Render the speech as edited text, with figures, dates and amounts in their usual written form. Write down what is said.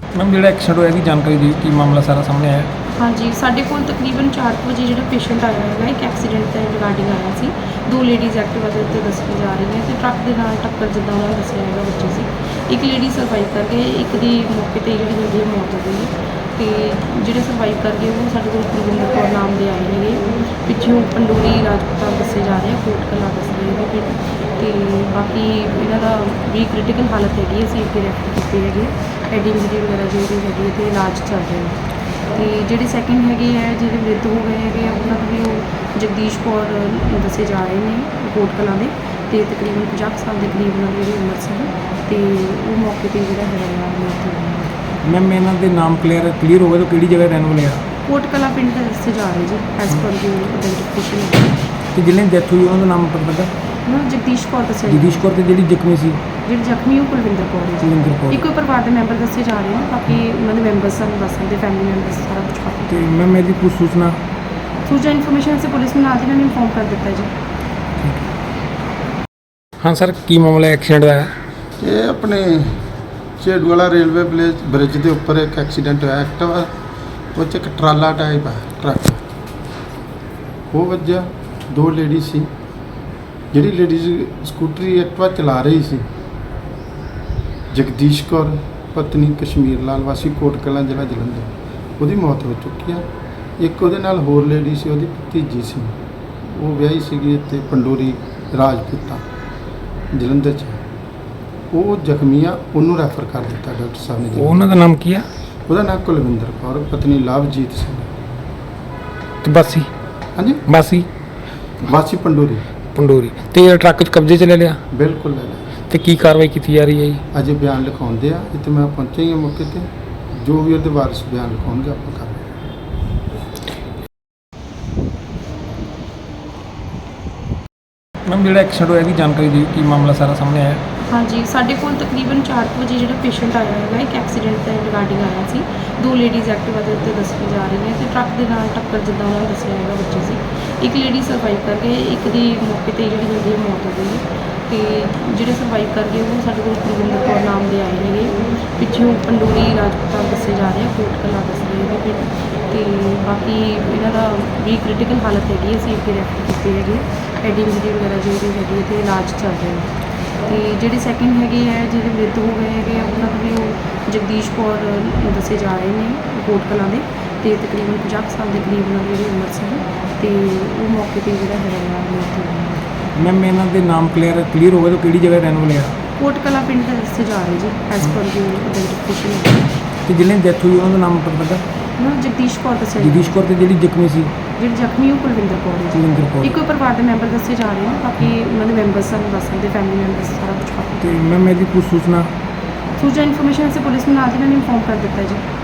Ma'am जो accident होया की जानकारी दी कि मामला सारा सामने आया? हाँ जी, साढ़े कोल तकरीबन 4 बजे जो पेशेंट आया है एक एक्सीडेंट के रिगार्डिंग आया सी। दो लेडीज़ एक्टिवा के उत्ते दसी जा रही हैं तो ट्रक के नाल टक्कर जिदा उन्होंने दसिया है बच्चे से एक लेडी सर्वाइव कर गए, एक दी मौके पर जी जल्दी मौत हो गई तो जोड़े सर्वाइव कर गए वो साढ़े कोल कुलविंदर कौर नाम के आए हैं, पिछों पंडोरी राजपूतां दसे जा रहे हैं, कोट कला दस रहे हैं पिंड तो बाकी इन्हों का भी क्रिटिकल हालत हैगी असीं अगे रैफर की है हैड इंजरी वगैरह जो भी हैगी तो इलाज चल रहे हैं। तो जोड़े सैकेंड है जो मृत हो गए हैं उन्होंने भी वो जगदीश कौर दसे जा रहे हैं कोट कलां दे तो तकरीबन 50 साल के करीब उन्होंने जी उम्र सी तो वो मौके पर जो है मौत हो गई। मैम इन्हों के नाम क्लीयर हो गए तो किहड़ी जगह रहने वाले आ? कोट कला पिंड का दसे जा रहे जी एज पर जो आइडेंटिफिकेशन तो जिन्हें डेथ हुई उन्होंने नाम पता लगा? उन्होंने जगदीश कौर दसिया जगदीश कौर ते जिहड़ी जख्मी सी जी जख्मी वो कुलविंदर कौर है जी। कुलविंदर कौर। एक परिवार के मैंबर दसे जा रहे हैं, बाकी उन्होंने मैंबर्स सानूं दस सकते फैमिली मैंबर्स सारा कुछ बाकी तो मैम यदि कुछ सूचना इन्फॉर्मेशन से पुलिस में नाल दी इन्होंने इन्फॉर्म कर दिता जी। हाँ सर की मामला एक्सीडेंट होया? ये अपने झेड़ूवाला रेलवे ब्रिज के उपर एक एक्सीडेंट होया एक्टिवा वो एक ट्राला टाइप है ट्रक वो वजह दो लेडी सी जिहड़ी लेडीज स्कूटरी एक्टिवा चला रही सी जगदीश कौर पत्नी कश्मीर लाल वासी कोट कलां जिला जलंधर ਉਹਦੀ मौत हो चुकी है। एक ਉਹਦੇ ਨਾਲ होर लेडी सी ਉਹਦੀ भतीजी सी वो ਵਿਆਹੀ ਸੀਗੀ ਇੱਥੇ ਪੰਡੋਰੀ ਰਾਜਪੂਤਾਂ ਜਲੰਧਰ 'ਚ ਉਹ ਜ਼ਖਮੀ ਆ ਉਹਨੂੰ ਰੈਫਰ ਕਰ ਦਿੱਤਾ ਡਾਕਟਰ ਸਾਹਿਬ ਨੇ। ਉਹਨਾਂ ਦਾ ਨਾਮ ਕੀ ਆ? ਉਹਦਾ ਨਾਮ ਕੁਲਵਿੰਦਰ ਕੌਰ ਪਤਨੀ ਲਵਜੀਤ ਸਿੰਘ। ਤੇ ਬਾਸੀ? ਹਾਂਜੀ ਬਾਸੀ ਵਾਸੀ ਪੰਡੋਰੀ ਪੰਡੋਰੀ ਤੇ ਟਰੱਕ 'ਚ ਕਬਜ਼ੇ 'ਚ ਲੈ ਲਿਆ ਬਿਲਕੁਲ ਲੈ ਲਿਆ। ਤੇ ਕੀ ਕਾਰਵਾਈ ਕੀਤੀ ਜਾ ਰਹੀ ਹੈ ਜੀ? ਅਜੇ ਬਿਆਨ ਲਿਖਾਉਂਦੇ ਆ ਇੱਥੇ ਮੈਂ ਪਹੁੰਚਿਆ ਹੀ ਹਾਂ ਮੌਕੇ ਤੇ ਜੋ ਵੀ ਉਹਦੇ ਵਾਰਿਸ ਬਿਆਨ ਲਿਖਾਉਣਗੇ ਆਪਾਂ ਕਰਾਂਗੇ। मैम जो एक्सीडेंट होया की जानकारी दी कि मामला सारा सामने आया? हाँ जी, साढ़े कोल तकरीबन 4 बजे जो पेशेंट आया है एक एक्सीडेंट के रिगार्डिंग आया सी। दो लेडीज़ एक्टिवा के उत्ते दसी जा रही हैं तो ट्रक के नाल टक्कर जिदा उन्होंने दसिया है बच्चे से एक लेडी सर्वाइव कर गए, एक दी मौके पर जी जल्दी मौत हो गई तो जोड़े सर्वाइव कर गए वो साढ़े कोल कुलविंदर कौर नाम के आए हैं, पिछों पंडोरी राजपूतां दसे जा रहे हैं, कोट कला दस रहे हैं पिंड तो बाकी इन्हों का भी क्रिटिकल हालत हैगी असीं अगे रैफर की है हैड इंजरी वगैरह जो भी हैगी तो इलाज चल रहे हैं। तो जोड़े सैकेंड है जो मृत हो गए हैं उन्होंने भी वो जगदीश कौर दसे जा रहे हैं कोट कलां दे तो तकरीबन 50 साल के करीब उन्होंने जी उम्र सी तो वो मौके पर जो है मौत हो गई। मैम इन्हों के नाम क्लीयर हो गए तो किहड़ी जगह रहने वाले आ? कोट कला पिंड का दसे जा रहे जी एज पर जो आइडेंटिफिकेशन तो जिन्हें डेथ हुई उन्होंने नाम पता लगा? उन्होंने जगदीश कौर दसिया जगदीश कौर ते जिहड़ी जख्मी सी जी जख्मी वो कुलविंदर कौर है जी। कुलविंदर कौर। एक परिवार के मैंबर दसे जा रहे हैं, बाकी उन्होंने मैंबर्स सानूं दस सकते फैमिली मैंबर्स सारा कुछ बाकी तो मैम यदि कुछ सूचना इन्फॉर्मेशन से पुलिस में नाल दी इन्होंने इन्फॉर्म कर दिता जी।